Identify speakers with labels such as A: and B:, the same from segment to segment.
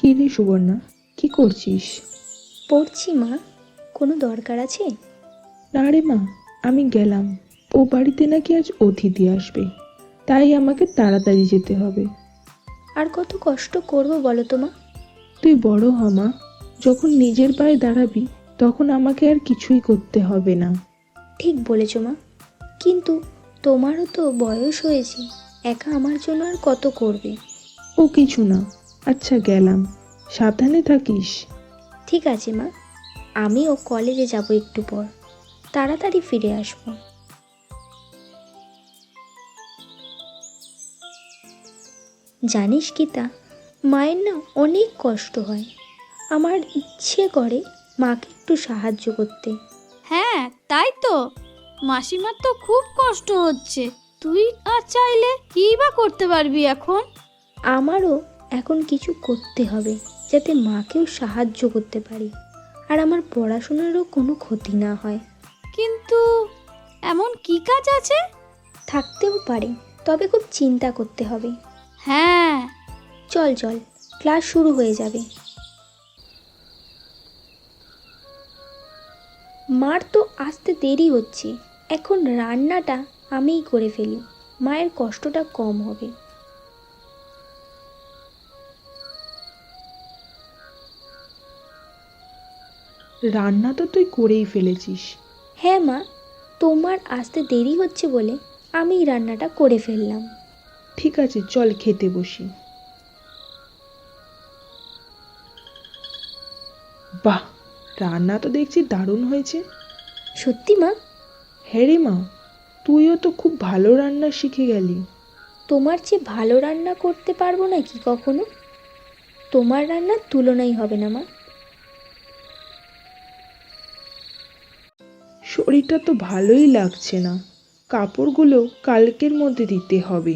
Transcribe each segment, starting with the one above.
A: কি রে সুবর্ণা, কি করছিস?
B: পড়ছি মা। কোনো দরকার আছে?
A: না রে মা, আমি গেলাম। ও বাড়িতে নাকি আজ অতিথি আসবে, তাই আমাকে তাড়াতাড়ি যেতে হবে।
B: আর কত কষ্ট করব বলো তো মা?
A: তুই বড় হ মা, যখন নিজের পায়ে দাঁড়াবি তখন আমাকে আর কিছুই করতে হবে না।
B: ঠিক বলেছ মা, কিন্তু তোমারও তো বয়স হয়েছে, একা আমার জন্য আর কত করবে?
A: ও কিছু না। আচ্ছা গেলাম, সাবধানে থাকিস।
B: ঠিক আছে মা, আমিও কলেজে যাব একটু পর, তাড়াতাড়ি ফিরে আসবো। জানিস গীতা, মায়ের না অনেক কষ্ট হয়। আমার ইচ্ছে করে মাকে একটু সাহায্য করতে।
C: হ্যাঁ, তাই তো। মাসিমার তো খুব কষ্ট হচ্ছে। তুই আর চাইলে কী বা করতে পারবি এখন?
B: আমারও এখন কিছু করতে হবে, যাতে মাকেও সাহায্য করতে পারি, আর আমার পড়াশোনারও কোনো ক্ষতি না হয়।
C: কিন্তু এমন কি কাজ আছে?
B: থাকতেও পারে, তবে খুব চিন্তা করতে হবে।
C: হ্যাঁ।
B: চল চল, ক্লাস শুরু হয়ে যাবে। মার তো আসতে দেরি হচ্ছে, এখন রান্নাটা আমিই করে ফেলি, মায়ের কষ্টটা কম হবে।
A: রান্না তো তুই করেই ফেলেছিস।
B: হ্যাঁ মা, তোমার আসতে দেরি হচ্ছে বলে আমিই রান্নাটা করে ফেললাম।
A: ঠিক আছে, চল খেতে বসি। বাহ, রান্না তো দেখছি দারুণ হয়েছে।
B: সত্যি মা?
A: হ্যাঁ রে মা, তুইও তো খুব ভালো রান্না শিখে গেলি।
B: তোমার চেয়ে ভালো রান্না করতে পারবো না কি কখনো? তোমার রান্নার তুলনাই হবে না মা।
A: শরীরটা তো ভালোই লাগছে না, কাপড়গুলো কালকের মধ্যে দিতে হবে।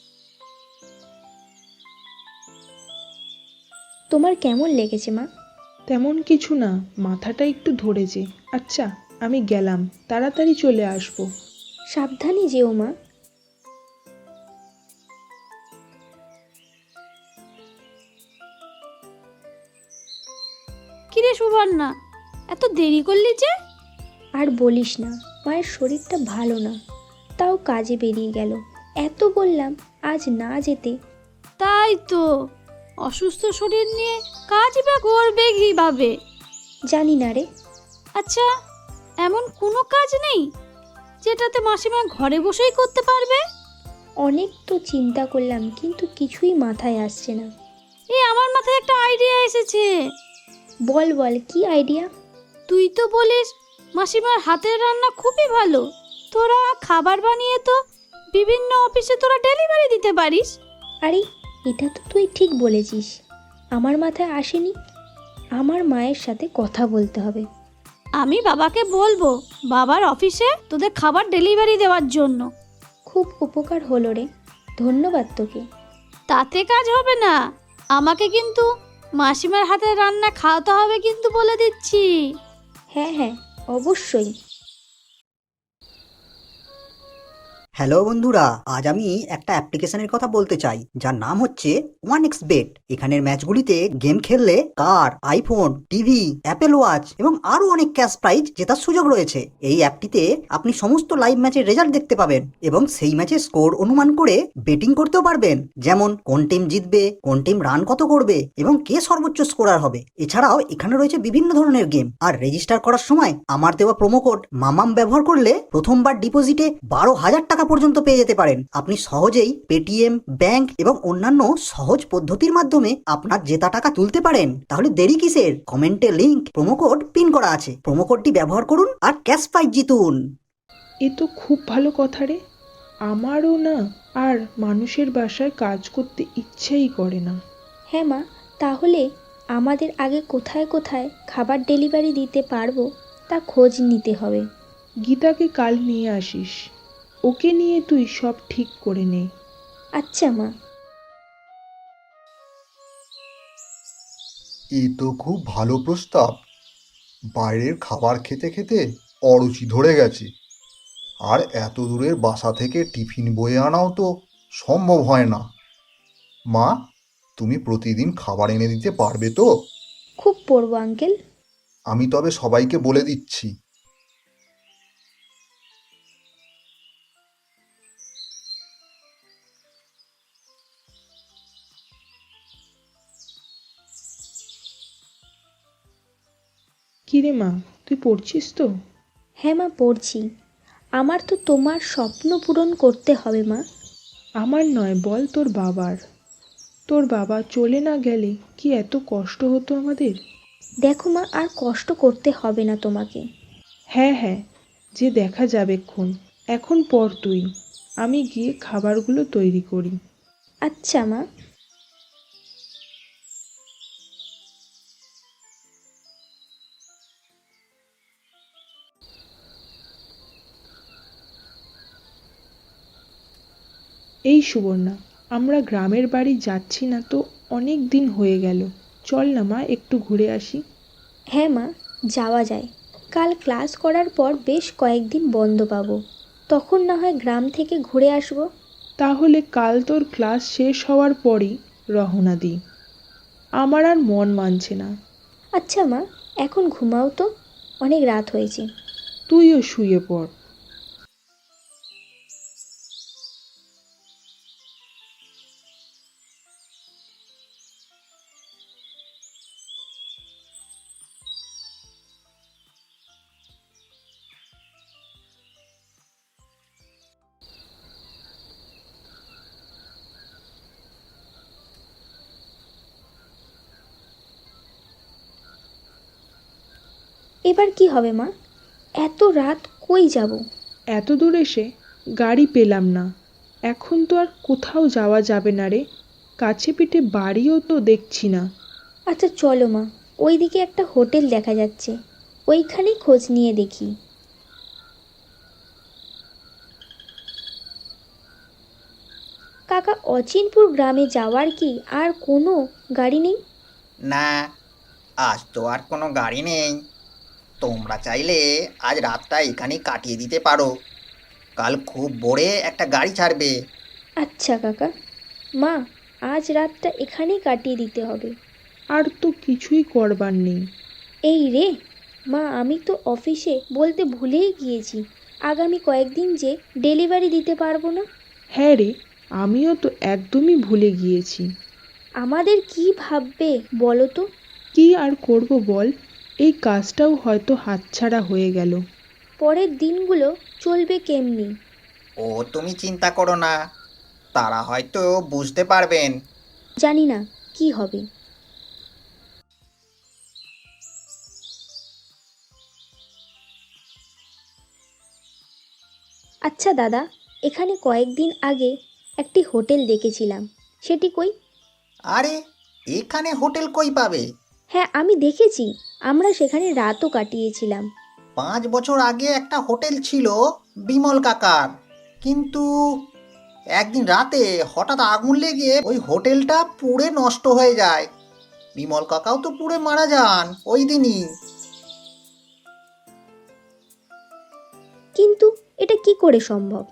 B: তোমার কেমন লেগেছে মা?
A: তেমন কিছু না, মাথাটা একটু ধরেছে। আচ্ছা, আমি গেলাম, তাড়াতাড়ি চলে আসবো।
B: সাবধানে যেও মা।
C: কিরে সুবর্ণা, এত দেরি করলি যে?
B: আর বলিস না, মায়ের শরীরটা ভালো না, তাও কাজে বেরিয়ে গেল। এত বললাম আজ না যেতে।
C: তাই তো, অসুস্থ শরীর নিয়ে কাজ বা করবে কিভাবে?
B: জানি না রে।
C: আচ্ছা, এমন কোনো কাজ নেই যেটাতে মাসিমা ঘরে বসেই করতে পারবে?
B: অনেক তো চিন্তা করলাম, কিন্তু কিছুই মাথায় আসছে না।
C: আমার মাথায় একটা আইডিয়া এসেছে।
B: বল বল, কি আইডিয়া?
C: তুই তো বলিস মাসিমার হাতের রান্না খুবই ভালো। তোরা খাবার বানিয়ে তো বিভিন্ন অফিসে তোরা ডেলিভারি দিতে পারিস।
B: আরে, এটা তো তুই ঠিক বলেছিস, আমার মাথায় আসেনি। আমার মায়ের সাথে কথা বলতে হবে।
C: আমি বাবাকে বলবো বাবার অফিসে তোদের খাবার ডেলিভারি দেওয়ার জন্য।
B: খুব উপকার হলো রে, ধন্যবাদ তোকে।
C: তাতে কাজ হবে না, আমাকে কিন্তু মাসিমার হাতের রান্না খাওয়াতে হবে কিন্তু, বলে দিচ্ছি।
B: হ্যাঁ হ্যাঁ, অবশ্যই।
D: হ্যালো বন্ধুরা, আজ আমি একটা অ্যাপ্লিকেশনের কথা বলতে চাই যার নাম হচ্ছে OneXBet। এখানের ম্যাচগুলিতে গেম খেললে car, iPhone, TV, Apple watch এবং আরো অনেক ক্যাশ প্রাইজ জেতার সুযোগ রয়েছে। এই অ্যাপটিতে আপনি সমস্ত লাইভ ম্যাচের রেজাল্ট দেখতে পাবেন এবং সেই ম্যাচের স্কোর অনুমান করে বেটিং করতেও পারবেন, যেমন কোন টিম জিতবে, কোন টিম রান কত করবে এবং কে সর্বোচ্চ স্কোরার হবে। এছাড়াও এখানে রয়েছে বিভিন্ন ধরনের গেম। আর রেজিস্টার করার সময় আমার দেওয়া প্রোমো কোড মামাম ব্যবহার করলে প্রথমবার ডিপোজিটে 12,000 টাকা পর্যন্ত পেয়ে যেতে পারেন। আপনি সহজেই পেটিএম, ব্যাংক এবং অন্যান্য সহজ পদ্ধতির মাধ্যমে আপনার জেতা টাকা তুলতে পারেন। তাহলে দেরি কিসের? কমেন্টে লিংক, প্রোমো কোড পিন করা আছে, প্রোমো কোডটি ব্যবহার করুন আর ক্যাশ প্রাইজ জিতুন।
A: এ তো খুব ভালো কথা রে। আমারও না আর মানুষের বাসায় কাজ করতে ইচ্ছেই করে না।
B: হ্যাঁ মা, তাহলে আমাদের আগে কোথায় কোথায় খাবার ডেলিভারি দিতে পারবো তা খোঁজ নিতে হবে।
A: গীতাকে কাল নিয়ে আসিস, ওকে নিয়ে তুই সব ঠিক করে নে।
B: আচ্ছা মা।
E: এ তো খুব ভালো প্রস্তাব। বাইরের খাবার খেতে খেতে অরুচি ধরে গেছে, আর এত দূরের বাসা থেকে টিফিন বয়ে আনাও তো সম্ভব হয় না। মা, তুমি প্রতিদিন খাবার এনে দিতে পারবে তো?
B: খুব পড়বো আঙ্কেল।
E: আমি তবে সবাইকে বলে দিচ্ছি।
A: কিরে মা, তুই পড়ছিস তো?
B: হ্যাঁ মা, পড়ছি। আমার তো তোমার স্বপ্ন পূরণ করতে হবে মা।
A: আমার নয়, বল তোর বাবার। তোর বাবা চলে না গেলে কি এত কষ্ট হতো আমাদের?
B: দেখো মা, আর কষ্ট করতে হবে না তোমাকে।
A: হ্যাঁ হ্যাঁ, যে দেখা যাবেক্ষণ। এখন পর তুই, আমি গিয়ে খাবারগুলো তৈরি করি।
B: আচ্ছা মা।
A: এই সুবর্ণা, আমরা গ্রামের বাড়ি যাচ্ছি না তো অনেক দিন হয়ে গেল। চল না মা, একটু ঘুরে আসি।
B: হ্যাঁ মা, যাওয়া যায়। কাল ক্লাস করার পর বেশ কয়েকদিন বন্ধ পাবো, তখন না হয় গ্রাম থেকে ঘুরে আসবো।
A: তাহলে কাল তোর ক্লাস শেষ হওয়ার পরই রওনা দিই। আমার আর মন মানছে না।
B: আচ্ছা মা, এখন ঘুমাও তো, অনেক রাত হয়েছে।
A: তুইও শুয়ে পড়।
B: এবার কি হবে মা? এত রাত কই যাব?
A: এত দূর এসে গাড়ি পেলাম না। এখন তো আর কোথাও যাওয়া যাবে না রে। কাছে পিঠে বাড়িও তো দেখছি না।
B: আচ্ছা চলো মা, ওইদিকে একটা হোটেল দেখা যাচ্ছে, ওইখানেই খোঁজ নিয়ে দেখি। কাকা, অচিনপুর গ্রামে যাওয়ার কি আর কোনো গাড়ি নেই?
F: না, আজ তো আর কোনো গাড়ি নেই। তোমরা চাইলে আজ রাতটা এখানেই কাটিয়ে দিতে পারো। কাল খুব ভোরে একটা গাড়ি ছাড়বে।
B: আচ্ছা কাকা। মা, আজ রাতটা এখানেই কাটিয়ে দিতে হবে।
A: আর তো কিছুই করবার নেই।
B: এই রে মা, আমি তো অফিসে বলতে ভুলেই গিয়েছি, আগামী কয়েকদিন যে ডেলিভারি দিতে পারবো না।
A: হ্যাঁ রে, আমিও তো একদমই ভুলে গিয়েছি।
B: আমাদের কি ভাববে বলো তো?
A: কি আর করব বল, এই কাজটাও হয়তো হাতছাড়া হয়ে গেল।
B: পরের দিনগুলো চলবে কেমনি?
F: ও তুমি চিন্তা করো না, তারা হয়তো বুঝতে পারবেন।
B: জানি না কি হবে। আচ্ছা দাদা, এখানে কয়েকদিন আগে একটি হোটেল দেখেছিলাম, সেটি কই?
F: আরে, এখানে হোটেল কই পাবে?
B: হ্যাঁ, আমি দেখেছি, আমরা সেখানে রাতও কাটিয়েছিলাম।
F: 5 বছর আগে একটা হোটেল ছিল বিমল কাকার, কিন্তু একদিন রাতে হঠাৎ আগুন লেগে ওই হোটেলটা পুড়ে নষ্ট হয়ে যায়। বিমল কাকাও তো পুড়ে মারা যান ওই দিনই।
B: কিন্তু এটা কি করে সম্ভব?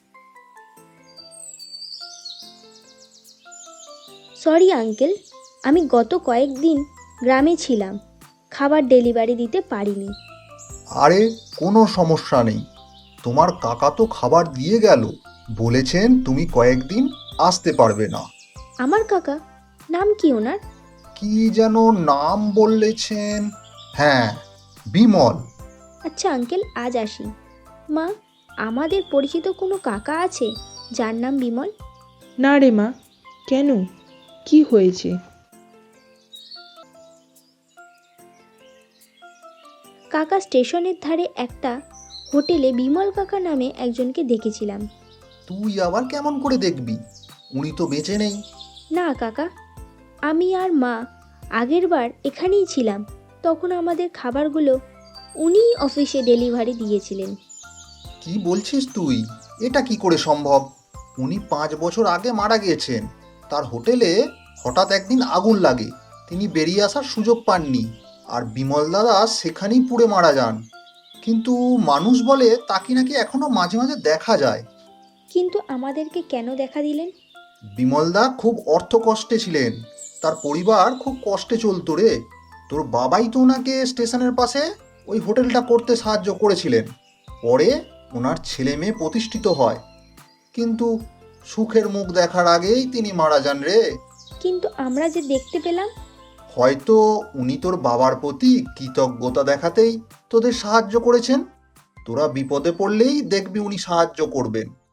B: সরি আঙ্কেল, আমি গত কয়েকদিন গ্রামে ছিলাম, খাবার ডেলিভারি দিতে পারিনি।
E: আরে, কোনো সমস্যা নেই। তোমার কাকা তো খাবার দিয়ে গেল, বলেছেন তুমি কয়েকদিন আসতে পারবে না।
B: আমার কাকা? নাম কি ওনার?
E: কি যেন নাম বলেছেন। হ্যাঁ, বিমল।
B: আচ্ছা আঙ্কেল, আজ আসি। মা, আমাদের পরিচিত কোনো কাকা আছে যার নাম বিমল?
A: না রে মা। কেন, কি হয়েছে?
B: কাকা, স্টেশনের ধারে একটা হোটেলে বিমল কাকা নামে একজনকে দেখেছিলাম।
E: তুই আবার কেমন করে দেখবি? উনি তো বেঁচে নেই।
B: না কাকা, আমি আর মা আগেরবার এখানেই ছিলাম, তখন আমাদের খাবারগুলো উনিই অফিসে ডেলিভারি দিয়েছিলেন।
E: কি বলছিস তুই? এটা কি করে সম্ভব? উনি 5 বছর আগে মারা গিয়েছেন। তার হোটেলে হঠাৎ একদিন আগুন লাগে, তিনি বেরিয়ে আসার সুযোগ পাননি, আর বিমল দাদা সেখানেই পুড়ে মারা যান। কিন্তু মানুষ বলে তাকে নাকি এখনো মাঝে মাঝে দেখা যায়।
B: কিন্তু আমাদেরকে কেন দেখা দিলেন?
E: বিমলদা খুব অর্থকষ্টে ছিলেন, তার পরিবার খুব কষ্টে চলতো রে। তোর বাবাই তো ওনাকে স্টেশনের পাশে ওই হোটেলটা করতে সাহায্য করেছিলেন। পরে ওনার ছেলে মেয়ে প্রতিষ্ঠিত হয়, কিন্তু সুখের মুখ দেখার আগেই তিনি মারা যান রে।
B: কিন্তু আমরা যে দেখতে পেলাম।
E: হয়তো উনি তোর বাবার প্রতি কৃতজ্ঞতা দেখাতেই তোদের সাহায্য করেছেন। তোরা বিপদে পড়লেই দেখবি উনি সাহায্য করবেন।